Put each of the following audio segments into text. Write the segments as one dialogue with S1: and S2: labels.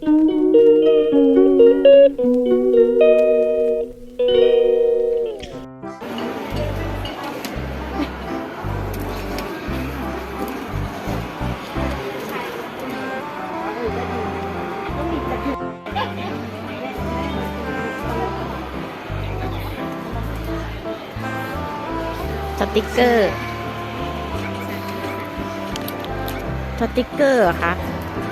S1: สติกเกอร์เหรอคะ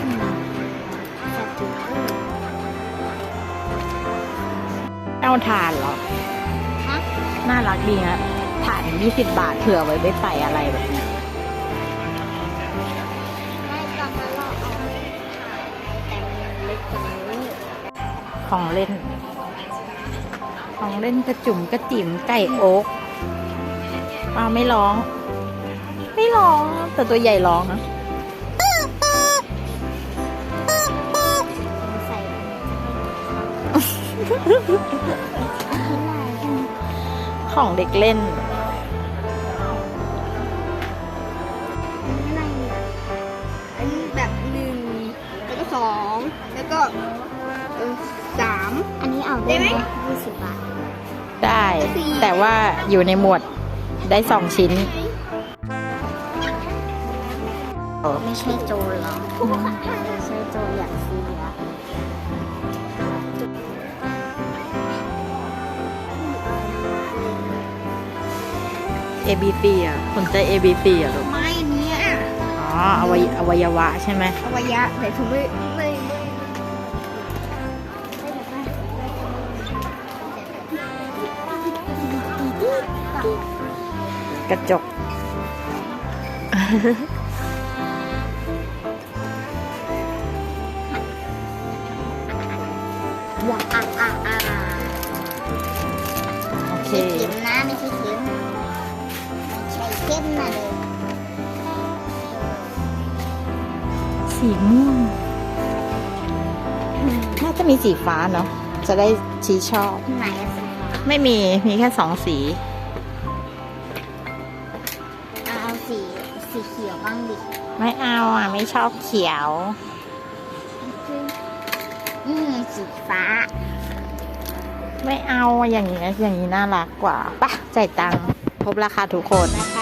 S1: เอาถ่านเหรอน่ารักดีนะถ่าน20 บาทเผื่อไว้ใส่อะไรแบบเนี้ยของเล่นกระจุ่มกระจิ๋มไก่โอ๊กป้าไม่ร้องแต่ตัวใหญ่ร้องนะของเด็กเล่น
S2: อันนี้แบบ1แล้วก็2แล้วก็3อันนี้เอาได้ไหม20 บาท
S1: ได้แต่ว่าอยู่ในหมวดได้2 ชิ้น
S2: ไม่ใช่โจรหรอไม่ใช่โจรอยากซื้ออะ
S1: ABC อ่ะสนใจ ABC อ่ะลูก
S2: ไม่เนี่ย
S1: อ๋ออวัยวะใช่ไหม
S2: อวัยวะแต่ผมไม่
S1: กระจก
S2: ว้า
S1: โอเค
S2: เข็มนะไม่ใช่เข็มนะเลย
S1: สีม่วงน่าจะมีสีฟ้าเนาะจะได้ชี้ชอบ
S2: ไหนสีฟ้า
S1: ไม่มีแค่2 สี
S2: เอาสีเขียวบ้างดิ
S1: ไม่เอาอ่ะไม่ชอบเขียว
S2: สีฟ้า
S1: ไม่เอาอย่างนี้น่ารักกว่าป่ะจ่ายตังค์พบราคาทุกคน
S2: ราคา